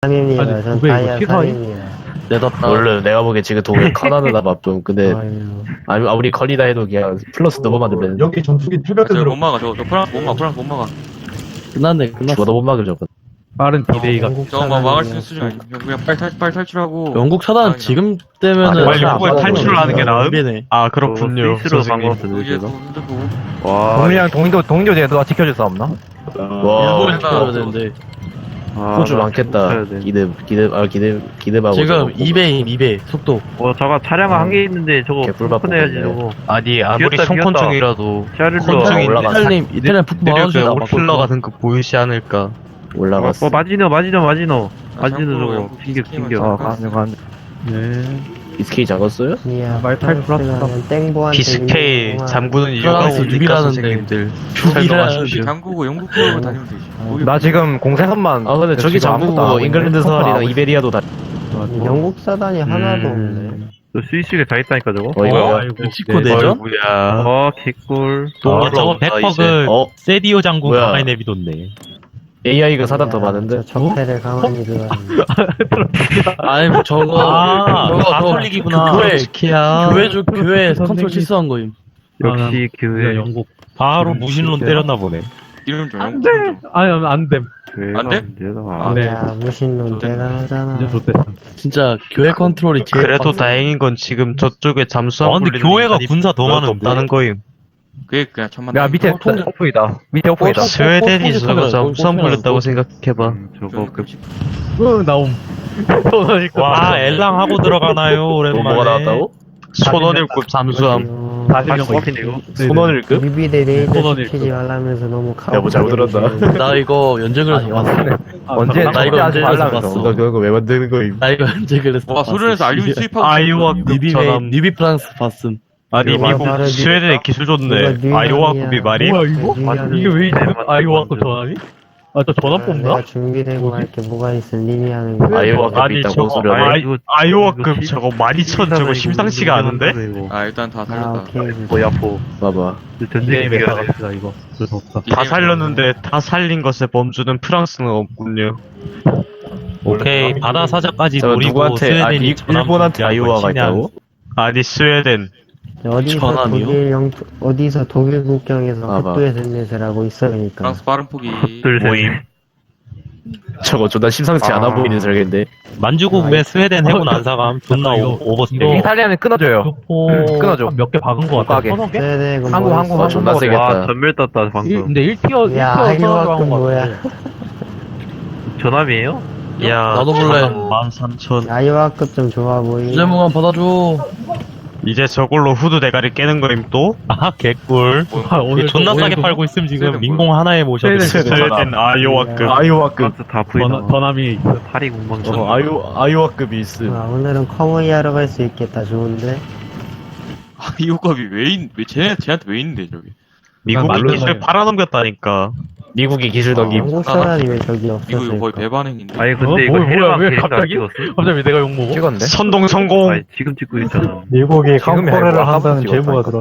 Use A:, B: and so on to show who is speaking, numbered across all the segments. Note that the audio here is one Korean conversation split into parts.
A: 3입니다.
B: 아니,
A: 전
B: 900 이거
A: 다이아
B: 티사이?
A: 3입니다.
C: 내다
D: 원래 내가 보기엔 지금 동일 카나드나 바쁨. 근데 아무리 컬리다 해도 그냥 플러스 넘어만 되면
B: 여기 전투기 태벽
E: 저못
B: 들어.
E: 막아. 저 프랑스 못 막아. 프랑스 못 막아.
C: 끝났네.
D: 죽어도 못 막을 저거.
B: 빠른 디데이가.
E: 저거 막을 수 있는 수준 아니야. 그냥 빨리 탈출하고.
C: 영국 차단 지금 되면은
D: 빨리
F: 후보에 탈출을 하는 게 나음?
C: 네
F: 아 그렇군요.
G: 스위스로
F: 선생님.
E: 이제 또 흔들고.
F: 와.
G: 동료랑 동조 제도가 지켜줄 수 없나?
D: 와,
C: 일본이 들어야 되는데
D: 호주 많겠다. 기대하고.
C: 지금 2배임 2배 속도.
G: 저거 차량 한 개 있는데 저거
D: 개꿀밥
G: 폰해야지
D: 먹겠네.
G: 저거.
F: 아니 아무리
G: 비었다,
F: 송콘충이라도
G: 샤를로
F: 콘충이
D: 올라가.
C: 이탈리아 북부
F: 느려
C: 막아주다
F: 올킬러 같은 거 보이지 않을까.
D: 올라갔어.
G: 마지노
E: 참고로
G: 저거
E: 영국
G: 진격
E: 스팀을
G: 진격.
E: 잠깐
D: BSK 잡았어요?
A: 이야,
G: 말팔
A: 프랑스는 땡보한테
F: BSK
A: 밀리는
F: 잠그는 이유가
C: 프랑스
F: 뭡니까
C: 유비라는데.
F: 선생님들.
C: 유비라는데.
E: 잠그고 영국 쪽으로 다니면 되지. 거기
G: 나 지금 공세선만.
D: 아 근데 저기 잠그고 잉글랜드 서울이랑 이베리아도 다.
A: 영국 사단이 하나도 없네.
G: 스위스에 다 있다니까 저거.
D: 어이가.
C: 멕시코 내전?
F: 뭐야.
G: 개꿀.
F: 저거 백퍼그
D: 세디오 장군 가만히
F: 내비뒀네.
D: AI가 사단 더 많은데.
A: 저 적폐를 가만히 두라는.
C: 아니 뭐 저거
F: 가톨릭이구나.
C: 교회 컨트롤 실수한 거임.
G: 역시 교회.
B: 영국.
F: 바로 무신론 때렸나 보네.
E: 이름 좀 영국.
B: 아니, 안 돼.
E: 안 돼?
B: 네.
A: 야, 무신론 대단하잖아.
B: 이제 좋대.
C: 진짜 교회 컨트롤이 제일
F: 그래도
C: 빡세.
F: 다행인 건 지금 저쪽에 잠수함
H: 근데
F: 굴리는
H: 교회가
F: 인간이
H: 군사 더
F: 별로
H: 많은데?
F: 없다는 거임.
E: 그게 그냥 천만.
G: 야 밑에 오프이다. 밑에 오프이다.
F: 스웨덴이 저거
C: 꼴찌
F: 잠수함
C: 꼴찌
F: 굴렸다고 생각해봐.
G: 저거 그
B: 나옴.
H: 와 엘랑 하고 들어가나요 오랜만에.
D: 뭐가 나왔다고?
F: 손원일급 잠수함.
G: 다시 오프인데 이거.
D: 손원일급?
A: 유비대 레이저
B: 선언일
A: 시키지 말라면서 너무 카오.
D: 여보, 잘못 들었다.
C: 나 이거 연재 그래서 봤어.
G: 언제
C: 나 이거
G: 하지
C: 언제
G: 말라면서.
C: 봤어.
D: 너 그런 거 왜 만드는 거임?
C: 나 이거 연재 그래서
E: 와 소련에서 알류 수입하고.
F: 아이오와급 전함.
C: 니비 프랑스 봤음.
F: 아니
A: 이거
F: 미국
A: 바로
F: 스웨덴의 기술
A: 이거
F: 좋네.
A: 뉴욕이야.
F: 아이오와급이 말이?
B: 뭐야, 이거? 이게 왜 이래? 아이오와급 전화니? 아, 저 전화 뽑나?
A: 내가 준비되고 할 게 뭐가 있어 님이 하는 거.
D: 아이오와급이 있다고 소리 하네.
F: 아이오와급 저거 12,000 저거 심상치가 않은데?
E: 아 일단 다
A: 아
E: 살렸다.
A: 오케이.
G: 뭐야포.
D: 봐봐.
G: 전쟁이
B: 게임에
G: 비교하네.
B: 나갑시다, 이거. 그래서 없다.
F: 다 살렸는데 다 살린 것에 범주는 프랑스는 없군요.
H: 오케이 바다 사자까지
D: 저
H: 노리고
D: 누구한테
H: 스웨덴이
D: 일본한테 아이오와가 있다고?
F: 아니 스웨덴.
A: 어디서
C: 전함이요?
A: 독일 어디서 독일 국경에서
D: 봐봐.
A: 헛도에 든내을 하고 있어 그러니까.
E: 프랑스 빠른 포기.
F: 모임.
D: 저거 존나 심상치 않아 보이는 설계인데.
H: 만주국 왜 스웨덴 해군 안 사감 존나
B: 이거-
H: 오버스텝.
G: 이탈리아는 끊어줘요.
B: 교포
G: 끊어줘.
B: 몇 개 박은 거 같아.
G: 가게.
B: 서너 개?
A: 스웨덴
G: 한국
D: 존나 세겠다.
G: 와 전멸 떴다 방금.
B: 근데 1티어
A: 야,
B: 1티어
A: 아이오와급
B: 들어간 거
A: 뭐야.
B: 같아.
G: 전함이에요?
F: 야
C: 나도 볼래.
F: 13,000.
A: 아이오와급 좀 좋아 보이.
C: 주제무관 받아줘.
F: 이제 저걸로 후드 대가리 깨는 거임 또?
H: 아 개꿀.
B: 아, 오늘
H: 존나 싸게
B: 오늘도
H: 팔고 있음 지금
E: 스웨덴
H: 민공 하나에 모셔도
B: 스웨덴
F: 스웨덴 아이오와급.
D: 아이오와급.
G: 프랑스 다 부이다.
B: 전함이 있어.
G: 파리 공방.
D: 아이오와급이 있음.
A: 오늘은 커머이 하러 갈 수 있겠다. 좋은데.
E: 아이오급이 왜 쟤한테 왜 있는데 저기?
F: 미국이
B: 말로
F: 기술
B: 해요.
F: 팔아넘겼다니까.
D: 미국이 기술 덕임.
A: 한국 사람이 왜 저기
E: 이거
A: 없었을까?
E: 거의 배반행인데.
G: 아니 근데 이거
B: 뭐야,
G: 해외방
B: 왜
G: 대리도 안
B: 갑자기?
G: 찍었어?
B: 갑자기 내가 욕먹어?
G: 찍었는데?
F: 선동 성공.
G: 아니 지금 찍고 있잖아.
B: 미국이
G: 지금이 아니고 아까부터 찍었다니까.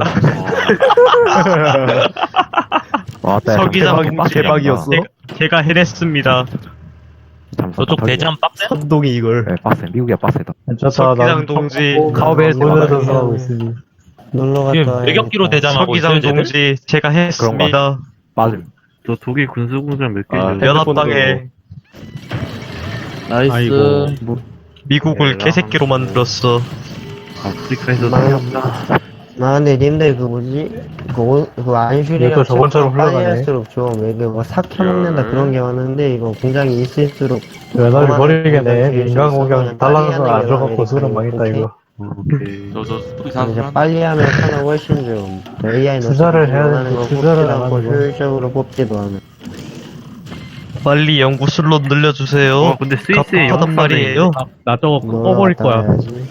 G: 왔다.
F: 서기장
D: 대박이었어.
F: 제가 해냈습니다.
H: 저쪽 대장 빡세?
D: 선동이 이걸.
G: 네, 빡세. 미국이야 빡세다.
B: 괜찮다.
F: 서기장 동지.
G: 가오베에서
A: 놀러 하고 있으니. 놀러 갔다
H: 지금
A: 와야겠다.
H: 외격기로 대장하고
F: 서기장
H: 있어요 쟤들?
F: 동지 제가 했습니다.
G: 맞음. 저 독일 군수공장 몇 개
D: 아,
G: 있는데.
F: 연합당에
C: 나이스.
B: 아이고.
F: 미국을 개새끼로 만들었어.
G: 아프리카에서
A: 나 근데 님들 그 뭐지? 그 안슈리랑
B: 이것도 저번처럼
A: 빨리
B: 흘러가네.
A: 할수록 좀 이게 뭐 삭혀 먹는다 그런 게 많은데 이거 공장이 있을수록
B: 외나를 버리겠네.
A: 그만한
B: 민간 공장
A: 빨리
B: 달라는
A: 하는
B: 거 안
A: 게
B: 줘갖고
A: 나으니까.
B: 수련 망했다,
A: 오케이?
B: 이거.
G: 오케이.
E: 저
A: 이제
E: 스토리 사는 사람.
A: 빨리 하면 하나 훨씬 좀 AI
B: 투자를 해야
A: 하는
B: 되는데
A: 거
B: 투자를
A: 뽑지도
B: 안
A: 않고
B: 하는 거.
A: 효율적으로 뽑지도 않아.
F: 빨리 연구술로 늘려주세요.
G: 근데 스위스에
F: 하단 말이에요.
B: 나 저거
A: 뭐
B: 꺼버릴 거야.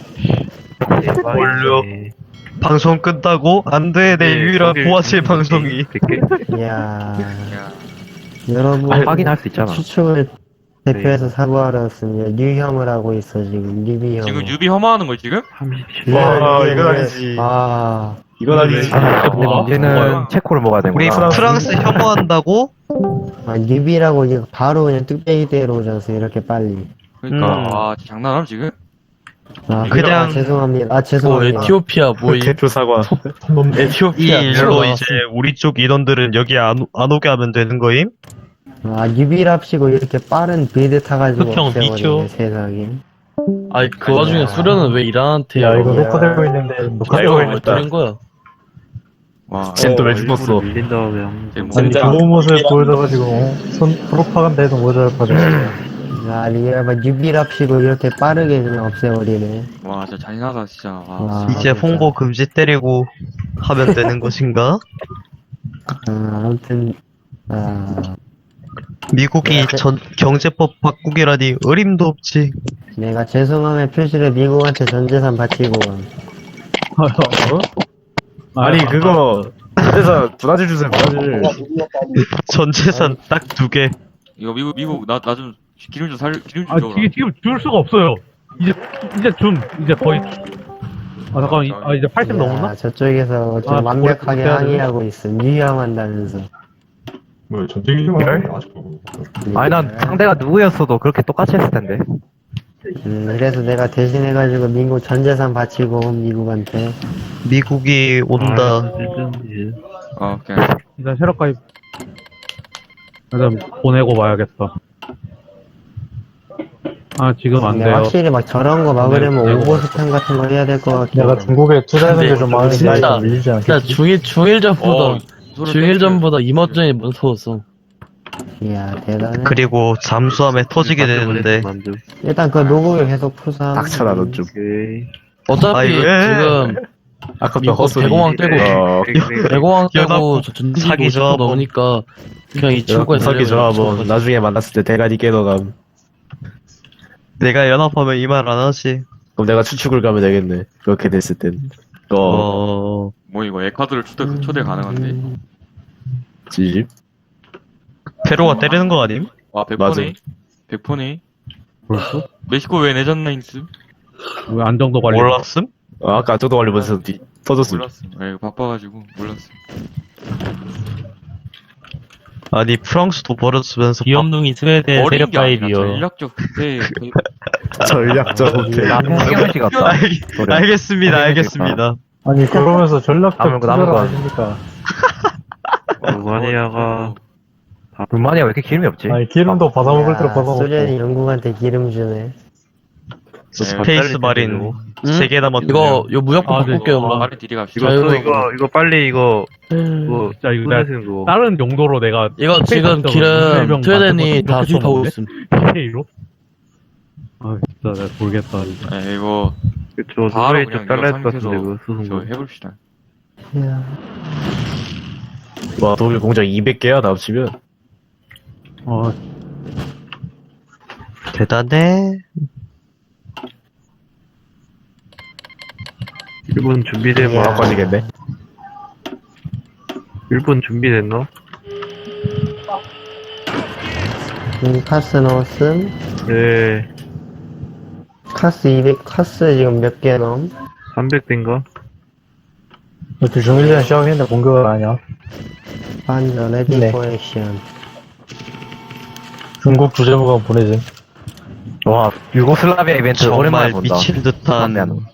F: 원료. 방송 끝나고 안 돼. 내 유일한 보아칠 방송이.
A: 이야
E: 야,
A: 여러분
G: 확인할 수 있잖아.
A: 추측을 대표해서 사과하러 왔습니다. 뉴형을 하고 있어 지금 뉴비형.
E: 지금 유비 혐오하는 거 지금?
G: 37.
D: 와, 이건 아니지.
A: 아
D: 이건 아니지.
G: 이제는 체코를 먹어야 되는
F: 우리
G: 거야.
F: 프랑스 혐오한다고?
A: 뉴비라고 이제 바로 그냥 뚝배기 때려 오잖아 이렇게 빨리.
E: 그러니까 와 장난함 지금?
F: 그냥-
A: 죄송합니다.
C: 뭐
A: 죄송합니다.
C: 에티오피아 뭐
D: 대표 사과.
F: 이
C: 에티오피아
F: 일로 이제 우리 쪽 인원들은 여기 안 오게 하면 되는 거임?
A: 유비랍시고 이렇게 빠른 빌드 타가지고
H: 흑형
A: 없애버리네,
H: 미쳐.
A: 세상에.
C: 아니 그 와중에 수련은 왜 이란한테
B: 야, 이거
A: 야.
B: 녹화되고 있는데,
D: 야,
B: 녹화되고
D: 이거
B: 있는데.
C: 왜 때린 거야?
E: 와
D: 쟤또왜 죽었어?
G: 밀린 다음에 한
E: 쟤 뭐-
B: 아니, 좋은 모습을 보여줘가지고, 프로파간다해도 모자랄 뻔했어.
A: 유비랍시고 이렇게 빠르게 그냥 없애버리네.
E: 와 진짜 잔인하다 진짜. 와.
A: 와,
F: 이제 홍보 금지 때리고 하면 되는 것인가?
A: 아무튼,
F: 미국이 경제법 바꾸기라니 어림도 없지.
A: 내가 죄송함의 표시를 미국한테 전 재산 바치고,
D: 아니 그거 그래서 브라질 주세요 브라질.
F: 전 재산 딱 2개.
E: 이거 미국 나 좀 기름 좀 기름 좀
B: 아,
E: 줘라.
B: 지금 줄 수가 없어요. 이제 거의. 잠깐만, 이제 80 넘었나?
A: 저쪽에서 좀
B: 아,
A: 완벽하게
B: 그래야 되네.
A: 항의하고 있어. 유효한다면서.
I: 뭐 전쟁이지만
G: 아니 난 상대가 누구였어도 그렇게 똑같이 했을 텐데.
A: 그래서 내가 대신해가지고 미국 전 재산 바치고 미국한테.
F: 미국이 온다.
E: 오케이.
B: 일단 새로 가입. 일단 보내고 봐야겠다. 지금 안
A: 근데
B: 돼요.
A: 확실히 막 저런 거 막으려면
B: 네,
A: 오버스탄 같은 거 해야 될 것 같긴
B: 내가
A: 해.
B: 중국에 투자하는 게 좀 많으니까
C: 진짜,
B: 이거 밀리지 않겠지?
C: 진짜 중일전보다
E: 소리
C: 중일전보다 이머전이 먼저 터졌어.
A: 이야, 대단해.
F: 그리고 잠수함에 터지게 되는데.
A: 일단 그 녹음을 계속 푸사.
D: 닥쳐라 너 좀.
C: 어차피
F: 아이고,
C: 지금
D: 아까
C: 미국
D: 헛소리.
C: 대공황 떼고 대공황 떼고 저 전기
F: 사기
C: 50%
F: 조합원.
C: 넘으니까 그냥 이 친구가
D: 석기 좋아 뭐 나중에 만났을 때 대가리 깨너감.
F: 내가 연합하면 이 말 안 하지.
D: 그럼 내가 추측을 가면 되겠네. 그렇게 됐을 땐.
F: 어,
E: 뭐 이거 에콰도르 초대 가능한데.
D: 집.
F: 페루가 때리는 거 아님?
E: 와
D: 맞아.
E: 100%네.
B: 벌써?
E: 멕시코 왜 내전라인스?
B: 왜 안정도 관리?
F: 몰랐음?
D: 아까 저도 관리면서 터졌어.
E: 몰랐어. 이거 바빠가지고 몰랐어.
F: 아니 프랑스도 버렸으면서
H: 귀염둥이 스웨덴
E: 어린
H: 세력
E: 게 아니라
H: 가입이요.
E: 전략적 네,
D: 전략적 호텔.
G: 남편이 같다.
F: 알겠습니다, 알겠습니다.
B: 아니, 그러면서 전략적
G: 남은 거,
B: 투자를
G: 남은 거.
B: 하십니까?
G: 루마니아가 루마니아 왜 이렇게 기름이 없지?
B: 아니, 기름도 받아먹을 대로 받아먹고.
A: 소련이 영국한테 기름 주네.
F: 스페이스 마린 3개 남았다.
C: 이거 무조건
B: 아, 네.
C: 바꿀게요. 그럼.
E: 말을 디리 갑시다.
C: 자유
G: 이거 빨리 이거
B: 진짜 이거 내가
G: 거 그거.
B: 다른 용도로 내가
C: 이거 지금 기름 스웨덴이 다 수입하고 있음.
B: K로? 진짜 내가 모르겠다. 진짜.
E: 이거
G: 그쵸
E: 바로
G: 두바이
E: 그냥
G: 쪽 잘라야 될 것
E: 이거
G: 같은데 그거
E: 저
G: 수송고.
E: 해봅시다.
A: 이야.
D: 와 독일 공장 200개야 나 합치면.
F: 대단해.
G: 일본 준비된
D: 뭐 바꿔지겠네.
G: 일본 준비됐나?
A: 카스 넣었음.
G: 네
A: 카스 200, 카스 지금 몇 개 넘?
G: 300대인가?
B: 그 중일전 시작했는데 공격을 아니야?
A: 반전, 레디
B: 네.
A: 포 액션.
B: 중국 주재부가 보내지.
G: 와 유고슬라비아 이벤트
F: 정말
G: 오랜만에 본다.
F: 미친 듯한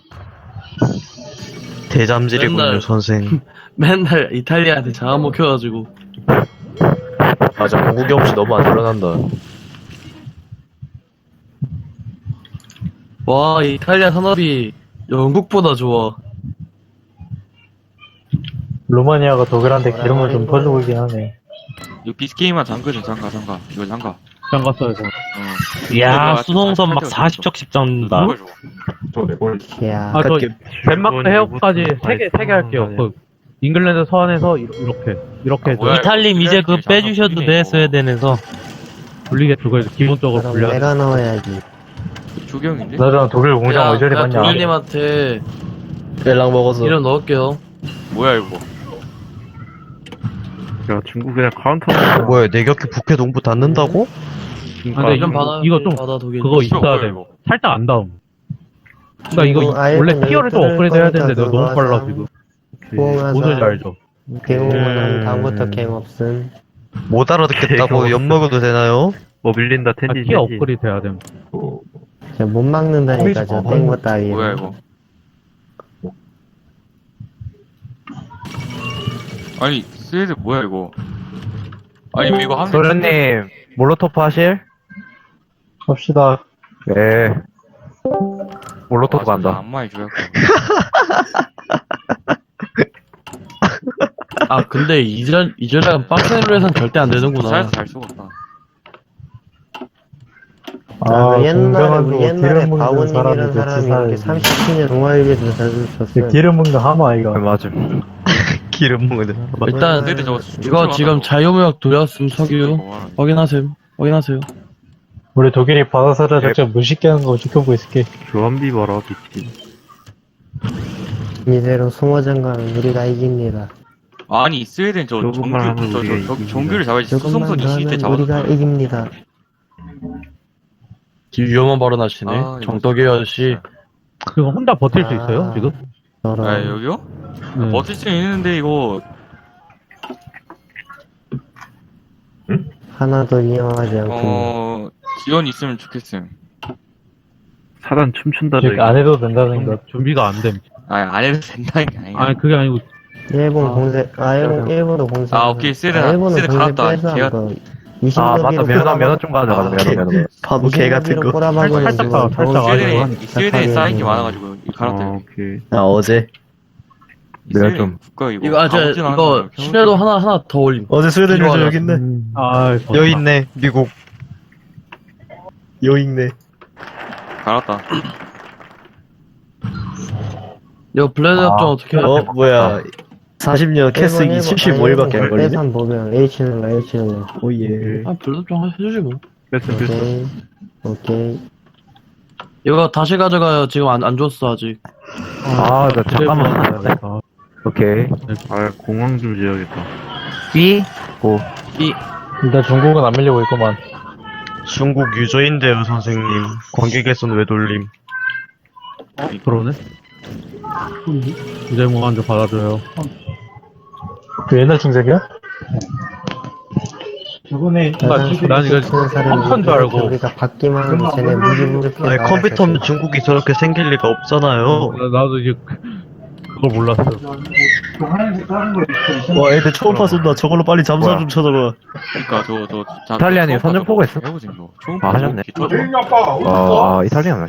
F: 대잠질이군요,
C: 맨날-
F: 선생.
C: 맨날 이탈리아한테 잡아먹혀가지고.
D: 맞아 공국이 없이 너무 안 일어난다.
C: 와 이탈리아 산업이 영국보다 좋아.
B: 루마니아가 독일한테 기름을 좀 퍼주고 있긴 하네.
E: 이거 비스게임만 잠그죠. 잠가. 이거 잠가.
B: 장가서에서.
H: 이야, 수송선 막 40적씩 잡는다.
A: 이야.
B: 저
D: 이렇게
B: 덴마크 해역까지 3개 할게요. 그 잉글랜드 서안에서 이렇게 해서
E: 뭐야,
H: 이탈림 이제 그 빼주셔도 돼, 스웨덴에서.
B: 분리게 두고 해서 기본적으로
A: 그럼
B: 분리하자.
A: 내가 넣어야지.
E: 조경인데?
B: 나랑 독일 공장 왜 저리
C: 내가
B: 봤냐?
C: 독일님한테
D: 벨랑 먹어서.
C: 이름 넣을게요.
E: 뭐야 이거?
G: 야 중국 그냥 카운터.
F: 뭐야, 내 곁에 북해 동부 닫는다고?
B: 근데
C: 이름 받아.
B: 이거 좀
C: 받아 독일.
B: 그거 있어야
E: 뭐야,
B: 돼.
E: 이거?
B: 살짝 안 닿음. 그니까 이거
A: 아예
B: 원래
A: 그냥
B: 티어를 좀
A: 뚫을
B: 업그레이드 해야 되는데
A: 거니까
B: 내가 너무 빨라
A: 그거
B: 지금.
A: 부엉하자.
B: 뭔지 알죠?
A: 배우면 다음부터 갱 없음.
F: 못 알아듣겠다고 엿먹어도 되나요?
G: 뭐 밀린다 텐지.
B: 티어 업그레이드 해야 됨.
A: 못 막는다니까, 저 땡거 따위.
E: 뭐야 이거? 아니 스웨드 뭐야 이거? 아니 이거 하면
G: 소련님, 몰로토프 하실?
I: 합시다.
G: 네. 몰로토프 간다.
E: 안마해 줘야
C: 아, 근데 이전랑 빡센으로 해선 절대 안 되는구나.
E: 잘 쏘겠다.
A: 아, 옛날에
I: 기름 먹는
A: 바오님이라는 사람이 이렇게 30년 동아일보에서 자주 쳤어요.
I: 기름 먹는 하마 이거.
G: 맞아.
F: 기름 먹는.
C: 일단
E: 스웨드 저거
C: 이거 지금 자유무역 돌렸음 석유 확인하세요.
I: 우리 독일이 바다사를 작전 무식게 하는 거 지켜보고 있을게.
G: 교환비 벌어, 비티.
A: 이대로 숨어전 가면 우리가 이깁니다.
E: 아니 스웨덴 저
G: 조금만 하면 우리가
E: 정규 정규를 잡아야지.
A: 조금만
E: 수송선
A: 더
E: 20대
A: 하면 우리가
E: 잡았어.
A: 이깁니다.
C: 위험한 발언하시네.
E: 아, 이거
C: 정덕이 아저씨.
B: 그거 혼자 버틸 수 있어요,
A: 아.
B: 지금?
A: 저런.
E: 아 여기요?
B: 네.
E: 버틸 수 있는데 이거
A: 하나도 위험하지 않고.
E: 지원 있으면 좋겠음.
G: 사단 춤춘다,
I: 이렇게 안 해도 된다는 거.
B: 준비가 안 됨.
E: 아니 안 해도 된다는 게 아니야.
B: 아니, 그게 아니고,
A: 일본 공세, 일본도 공세.
E: 아, 오케이. 세레나.
A: 일본은
E: 세레
A: 공세
E: 갈았다.
A: 빼서
E: 걔가-
A: 그
G: 아, 맞다. 면허 좀 가져가자, 면허.
F: 바보 개 같은 거.
A: 꼬라박으로
B: 살짝
A: 지금
B: 살짝
A: 겨울
B: 아니고
A: 시즌에
E: 스웨덴에 쌓인 게
A: 시작하면
E: 많아가지고 갈았대.
G: 오케이.
F: 아 어제
G: 내가 좀-
E: 국가 이거.
C: 이거
E: 아무튼
C: 이거
E: 않은
C: 신뢰도 하나 더 올림.
F: 어제 스웨덴
C: 이거
F: 유저
C: 하나.
F: 여기 있네.
B: 아,
F: 여기 있네. 미국. 여기 있네.
E: 갈았다.
C: 이거 블레드 협정 어떻게 해?
F: 뭐야. 40년 캐스기 75일밖에 안 걸리네.
A: 빼산 보면 H는
F: 오예.
C: 아, 블레드 협정 해주지 뭐.
A: 오케이.
C: 이거 다시 가져가요. 지금 안 줬어 아직.
G: 아, 나 잠깐만.
B: 아,
G: 오케이. 아, 공항 좀 지어야겠다. B? 고.
I: 일단 중국은 안 밀리고 있구만.
F: 중국 유저인데요, 선생님. 관객에선 왜 돌림?
B: 그러네. 이제 뭐 먼저 받아줘요.
I: 그 옛날 중색이야? 저번에
B: 난 이거 컴퓨터인 줄 알고.
A: 우리가 받기만 하면 쟤네 무기부르게
F: 아니 컴퓨터면 중국이 저렇게 생길 리가 없잖아요.
B: 나도 이제 그걸 몰랐어.
F: 와 애들 초음파 쏜다. 저걸로 빨리 잠수함 좀 쳐다봐.
E: 그러니까 저
G: 이탈리아님 선전 보고 있어?
E: 해보지 뭐.
G: 아, 하셨네.
E: 저
G: 이탈리안.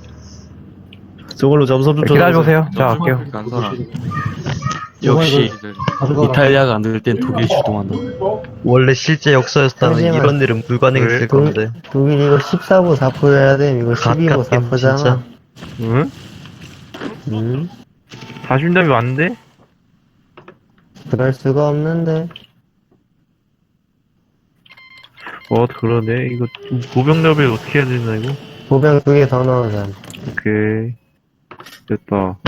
F: 저걸로 잠수함 좀 쳐다봐.
G: 기다려보세요. 자, 갈게요.
E: 간 사람.
C: 역시 이탈리아가 안 될 땐 독일이 주동한다.
F: 원래 실제 역사였다면
A: 하지만-
F: 이런 일은 불가능했을 건데.
A: 독일 이거 14부 4% 해야 돼. 이거 12부
F: 가깝게
A: 4%잖아.
F: 진짜.
G: 응? 40점이 왔는데?
A: 그럴 수가 없는데.
G: 그러네. 이거, 보병협을 어떻게 해야 되나, 이거?
A: 보병 2개 더 넣어자.
G: 오케이. 됐다.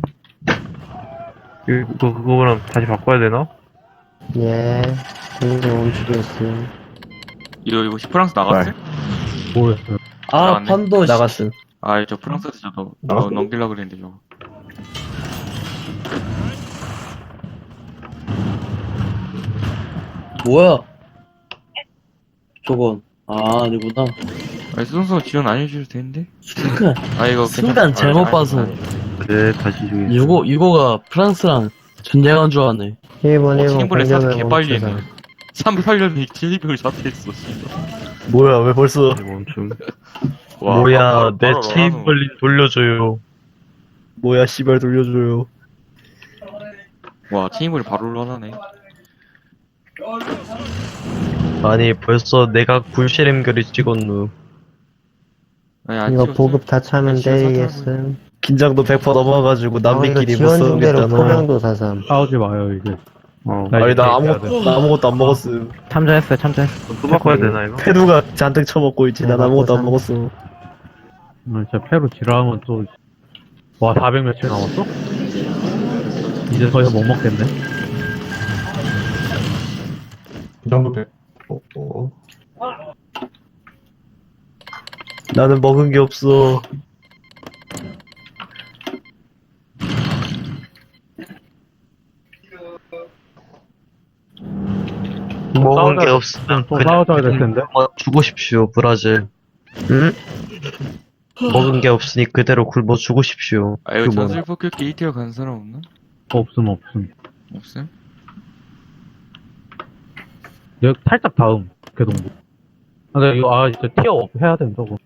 G: 그거랑 다시 바꿔야 되나?
A: 예. 공도 멈추겠음.
E: 이거 프랑스 나갔어?
B: 모르겠어요.
C: 아,
E: 나갔네.
C: 판도 씨.
F: 나갔음.
E: 아, 저 프랑스에서 저도 넘기려고 그랬는데 저거.
C: 뭐야? 저건 아니구나.
E: 아니 수송선 지원 안 해주셔도 되는데?
C: 순간
E: 아 이거
C: 순간 잘못 봐서.
G: 네, 다시 주겠습니다.
C: 이거가 프랑스랑 전쟁한 줄 아네.
A: 일본
E: 책임벌레 사서
A: 공격을
E: 개빨리
A: 멈추자.
E: 했네. 38년에 킬리병을 자퇴했어 씨발.
F: 뭐야 왜 벌써?
G: 멈춤.
E: 와,
F: 뭐야
E: 바로
F: 내
E: 나가는
F: 체인벌린 돌려줘요. 뭐야 씨발 돌려줘요.
E: 거. 와 체인벌이 바로 올라가네.
F: 아니 벌써 내가 불씨름결이 찍었누.
E: 아니 안
A: 이거
E: 찍었어요.
A: 보급 다 차면
E: 지원
A: 때리겠음.
F: 긴장도 100% 넘어가지고 남미끼리 못
A: 지원 중대로
F: 싸우겠잖아.
A: 포병도 사삼.
B: 싸우지 마요, 이제.
F: 아니 나
B: 이제
F: 아무것도 안 먹었음.
G: 참전했어요. 또 바꿔야 되나, 이거?
F: 페루가 잔뜩 처먹고 있지. 난 아무것도 안 먹었어.
B: 진짜 페루 지랄하면 또, 와, 400 며칠 남았어? 이제 더 이상 못 먹겠네.
I: 그 정도 돼.
F: 나는 먹은 게 없어. 먹은 게 없으면
B: 또 싸워줘야 될 텐데.
F: 주고 싶시오 브라질. 응? 먹은 게 없으니 그대로 굶어 죽으십시오.
E: 아, 이거
F: 그 뭐-
E: 전술 폭격기 1티어 간 사람 없나?
B: 없음.
E: 없음?
B: 여기 살짝 다음, 개동부. 근데 이거, 진짜 티어 해야 된다고.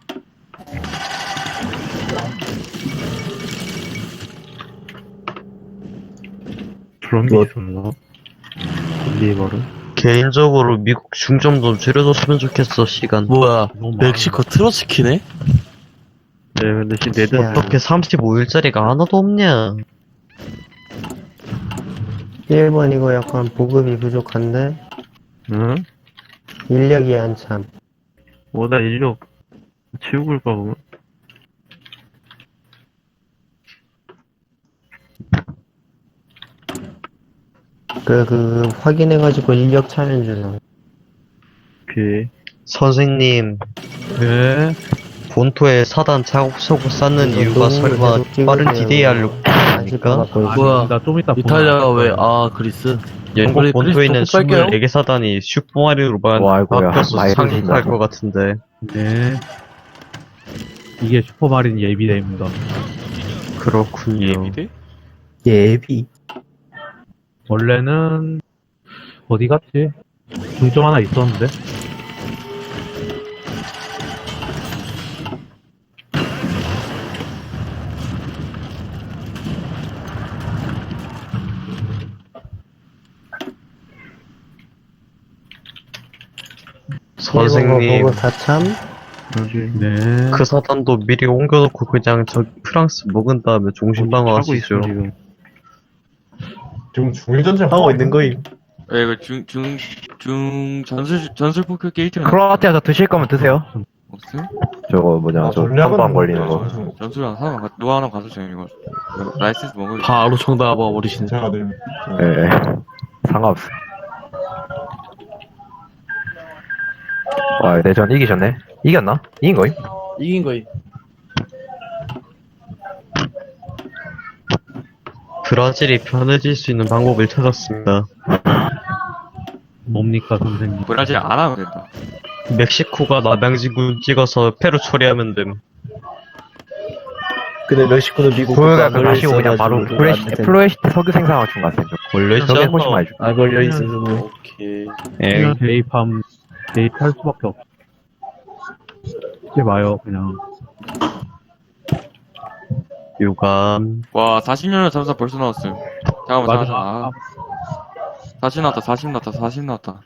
G: 그런 게 있었나? 리버를?
F: 개인적으로 미국 중점 좀 줄여줬으면 좋겠어, 시간.
C: 뭐야,
B: 너무 많아.
C: 멕시코 트로츠키네?
G: 네, 근데 네덜
A: 야.
F: 어떻게 35일짜리가 하나도 없냐?
A: 일본 이거 약간 보급이 부족한데
G: 응?
A: 인력이 한참.
G: 나 인력 치우고 올까 보면?
A: 확인해가지고 인력 차면 주나.
G: 오케이.
F: 선생님,
B: 네.
F: 본토에 사단 차곡차곡 쌓는
A: 이거
F: 이유가
A: 너무
F: 설마
A: 계속 찍으세요.
F: 빠른 디데이 하려고
A: 아직
F: 아닐까?
C: 뭐야,
B: 나 좀 이따
C: 이탈리아가
B: 보내.
C: 왜, 그리스?
F: 영국
C: 그래,
F: 본토에 있는
C: 그리스 조금 빨게요.
F: 24개 사단이 슈퍼마리오로만
D: 와, 아이고야.
F: 바뀌어서
D: 많이
F: 상륙할
D: 해주신다.
F: 것 같은데.
B: 네. 이게 슈퍼마린 예비대입니다.
F: 그렇군요.
E: 예비대?
A: 예비.
B: 원래는, 어디 갔지? 중점 하나 있었는데?
F: 선생님,
A: 보고 다참.
B: 네.
F: 그 사단도 미리 옮겨놓고 그냥 저기 프랑스 먹은 다음에 종신방어
G: 하고 있어,
F: 하시죠.
G: 지금.
I: 지금 중일전쟁
F: 하고 있는 거임.
E: 야, 이거 전술 폭격기 1티어
D: 크로아티아에서 드실 거면 드세요.
E: 없음?
D: 저거 뭐냐, 저 선방 걸리는 거.
E: 전술 하나, 누가 하나 가져줘요, 이거. 라이센스 먹을
C: 바로 정답 버리시네.
I: 제가 늘
D: 예, 상관없어. 와, 내전 이기셨네. 이겼나? 이긴 거임?
C: 이긴 거임.
F: 브라질이 편해질 수 있는 방법을 찾았습니다.
B: 뭡니까, 선생님?
E: 브라질 안 하면 된다.
F: 멕시코가 남양진군 찍어서 페루 처리하면 됨.
A: 근데 멕시코는 미국
D: 보여가 그 다시 그냥 바로 플로에시트 석유 생산 맞춘 것 같아.
F: 원래
D: 저게 훨씬 많이 줘.
A: 아 걸려 있어.
C: 오케이.
B: 그냥 대입할 수밖에 없어. 이제 마요, 그냥.
F: 유감.
E: 와, 40년을 잠사 벌써 나왔어요. 잠깐만. 아. 40 나왔다, 40 나왔다, 40 나왔다.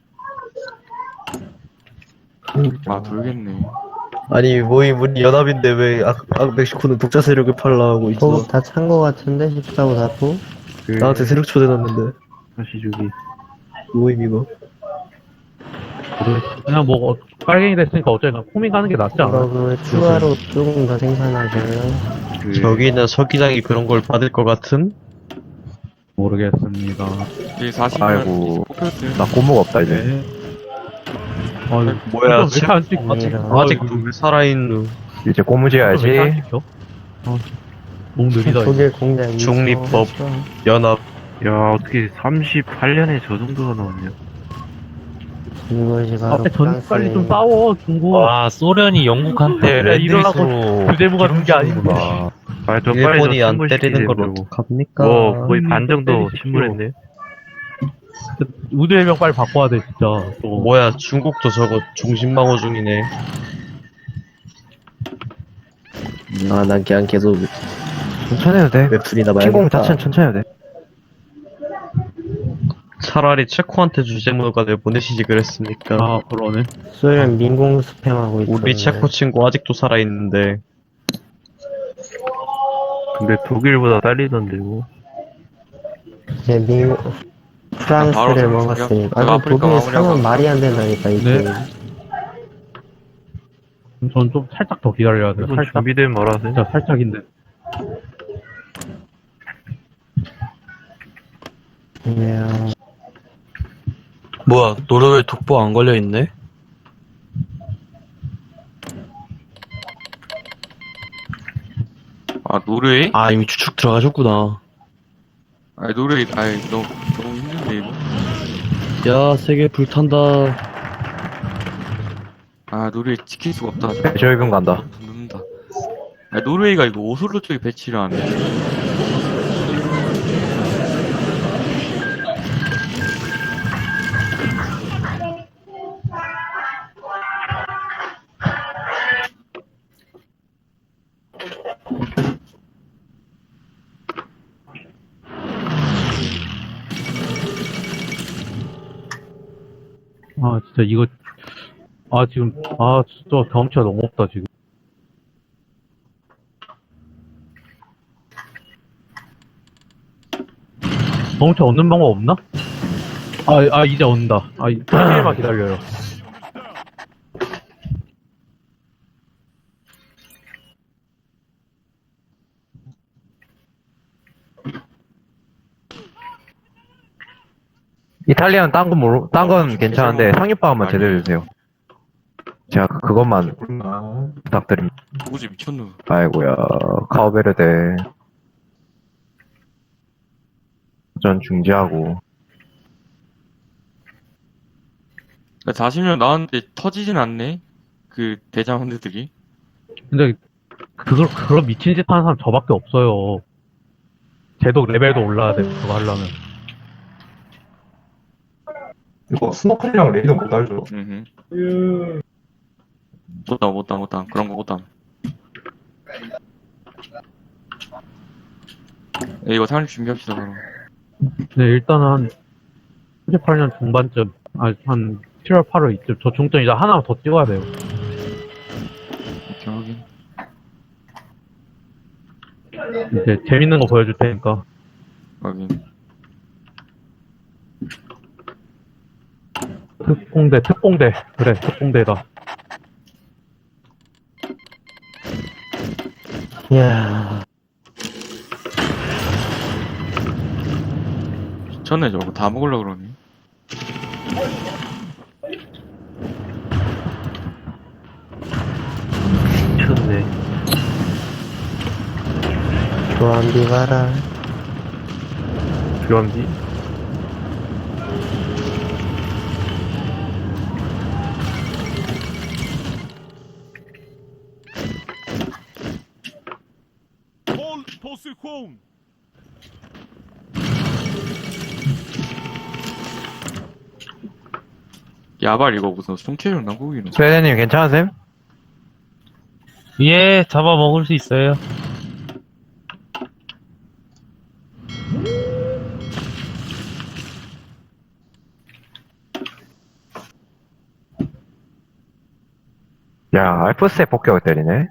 E: 아, 돌겠네.
F: 아니 우리 연합인데 왜 멕시코는 독자 세력을 팔라고
A: 보급 다 찬 거 같은데 14호 사포.
G: 그,
F: 나한테 세력 초대놨는데
G: 다시 주기.
F: 모임 이거.
B: 그냥 뭐, 빨갱이 됐으니까 어쩌니까 코밍 가는 게 낫지 않아?
A: 그러면 추가로 조금 더 생산하시면
G: 그,
F: 저기는 서기장이 그런 걸 받을 것 같은?
B: 모르겠습니다.
E: 이 40년
D: 아이고.
E: 뽑혔어요.
D: 나 고무가 없다, 이제.
B: 네.
F: 뭐야,
B: 왜안 찍,
F: 아직 왜 살아있는
D: 이제 고무
B: 왜안
D: 지어야지.
B: 찍혀? 너무 느리다, 이거.
A: 독일 공장
F: 중립법. 연합.
G: 야, 어떻게 38년에 저 정도가 나왔냐.
A: 이것이 바로
B: 앞에 전 빨리 좀
A: 프랑스의
B: 싸워, 중국.
H: 와, 소련이 영국한테
B: 그래, 이러려고
H: 랜드리스로
B: 규제무가 준 게 아닌데.
G: 저
F: 일본이 안
G: 침몰시키지,
F: 때리는 걸
G: 그러고.
F: 어떡합니까?
G: 거의 반 정도
B: 때리십시오.
G: 침몰했네.
B: 우주해병 빨리 바꿔야 돼, 진짜. 또.
F: 뭐야, 중국도 저거 종신방어 중이네. 난 그냥 계속
D: 천천히 해도 돼.
F: 웹툰이나
D: 침공 자체는 천천히 해도 돼.
F: 차라리 체코한테 주제문과를 보내시지 그랬으니까.
B: 아, 그러네.
A: 소련 민공 스팸하고 있어.
F: 우리 체코 친구 아직도 살아있는데.
G: 근데 독일보다 딸리던데, 뭐.
A: 이제 프랑스를
E: 바로
A: 먹었으니까.
E: 제가
A: 아니
E: 아프리카
A: 독일
E: 마무리하고
A: 상은 말이 안 된다니까 이
B: 네.
A: 게임.
B: 전 좀 살짝 더 기다려야 돼.
G: 이건
B: 살짝.
G: 준비되면 말하세요.
B: 진짜 살짝인데.
A: 이야.
C: 뭐야, 노르웨이 독보 안 걸려있네?
E: 아, 노르웨이?
C: 아, 이미 추측 들어가셨구나.
E: 아니, 노르웨이, 너무 힘든데, 이거.
C: 야, 세계 불탄다.
E: 아, 노르웨이 지킬 수가 없다.
D: 저희금 간다.
E: 눕는다. 노르웨이가 이거 오슬로 쪽에 배치를 하네.
B: 아, 진짜 이거, 지금, 진짜 경험치가 너무 없다, 지금. 경험치 얻는 방법 없나? 이제 온다. 일만 기다려요.
D: 이탈리아는 딴 건 괜찮은데 상륙방어만 제대로 해주세요. 제가 그것만 부탁드립니다.
E: 누구지 미쳤누.
D: 아이고야, 카오베르데. 전 중지하고.
E: 40년 나왔는데 터지진 않네. 그 대장원들이.
B: 근데, 그런 미친 짓 하는 사람 저밖에 없어요. 쟤도 레벨도 올라야 돼, 그거 하려면.
I: 이거 스노클이랑 레이더 못 알죠?
E: 못담. 그런 거 못담. 이거 상륙 준비합시다, 바로.
B: 네, 일단은, 38년 중반쯤, 한 7월, 8월 이쯤, 저 중점 이제 하나 더 찍어야 돼요.
E: 오케이, 확인.
B: 이제 재밌는 거 보여줄 테니까.
E: 확인.
B: 특공대. 그래, 특공대다.
A: 이야,
E: 미쳤네, 저거. 다 먹으려고 그러니.
G: 미쳤네.
A: 조한비 가라.
G: 교환비?
E: 야발 이거 무슨 송채용 남국이는.
D: 스웨덴님 괜찮으세요?
H: 예, 잡아먹을 수 있어요.
D: 야, 알프스에 폭격을 때리네.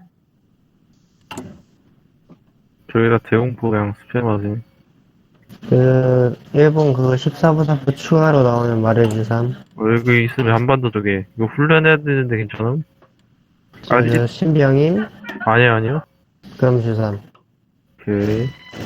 G: 저희가 대공포 그냥 스팸하지.
A: 일본 그거 14부사부 추가로 나오면 말해주삼.
G: 여기 있으면 한반도 쪽에. 이거 훈련해야 되는데 괜찮음?
A: 신병임?
G: 아니야.
A: 그럼 주삼.
G: 오케이.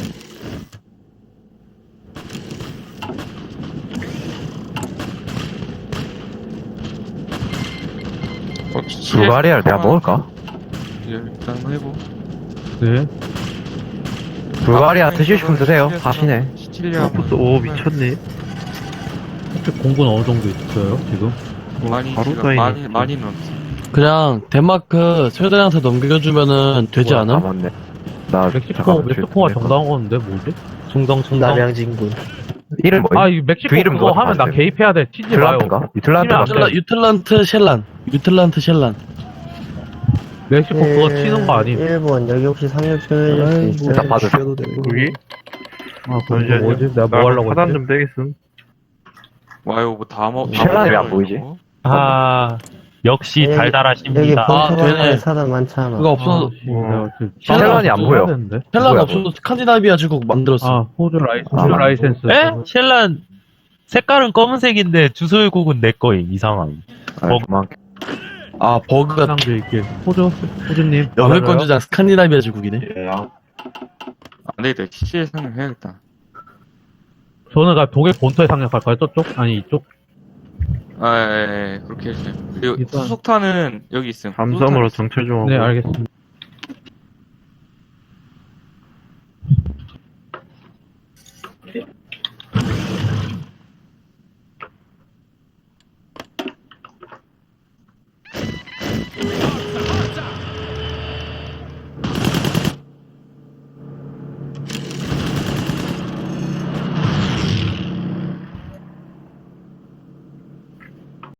D: 불가리아를 내가 먹을까?
E: 일단 한번 해보.
B: 네.
D: 불가리아 드시고 싶으면 드세요. 다시네.
E: 시칠리아
G: 플러스 5 미쳤네.
B: 공군 어느 정도 있어요, 지금?
E: 많이
G: 바로
E: 지금
G: 쌓이네.
E: 많이 넣었어.
C: 그냥 데마크 스웨덴한테 넘겨주면은 되지
D: 아,
C: 않아?
D: 맞네. 나
B: 멕시코가 정당한 건데, 뭐지?
H: 충성.
A: 남양진군.
D: 이름 뭐야?
B: 이 멕시코
D: 그 이름
B: 그거
D: 뭐가
B: 하면 나
D: 맞아요?
B: 개입해야 돼. 치지 마요.
D: 유틀란트인가? 유틀란트
B: 치면 안
D: 맞죠?
B: 돼.
C: 유틀란트 쉘란.
B: 멕시코 그거 치는 거 아님?
A: 일본, 여기 혹시 상륙 좀 해줄 수 있어요?
D: 일단 봐주세요.
G: 여기?
B: 그거
G: 잠시만요.
B: 뭐지? 내가 뭐 하려고
G: 하단
B: 했지?
G: 좀 빼겠음.
E: 와요 뭐다 먹.
D: 쉘란이 왜안 보이지?
H: 아, 역시
A: 여기
H: 달달하십니다.
C: 되네.
A: 본토가 사람 많잖아.
C: 그거 없어.
B: 내가 지금
D: 쉘란이 안 보여.
B: 되는데?
C: 쉘란
D: 뭐야,
C: 없어도 스칸디나비아 제국 만들었어.
B: 호주
D: 아,
B: 라이센스.
H: 에? 셸란 색깔은 검은색인데 주소일국은 내 거임. 이상함.
D: 그만.
C: 버그가
B: 사람도 있길. 호주님.
C: 영일권주장 스칸디나비아 제국이네.
E: 안 되겠다. 시치에 상륙해야겠다.
B: 저는 독일 본토에 상륙할까요? 저쪽? 아니, 이쪽?
E: 예, 그렇게 해주세요. 그리고
B: 일단-
E: 수속탄은 여기 있음.
G: 함섬으로 정찰 좀 하고.
B: 네, 알겠습니다.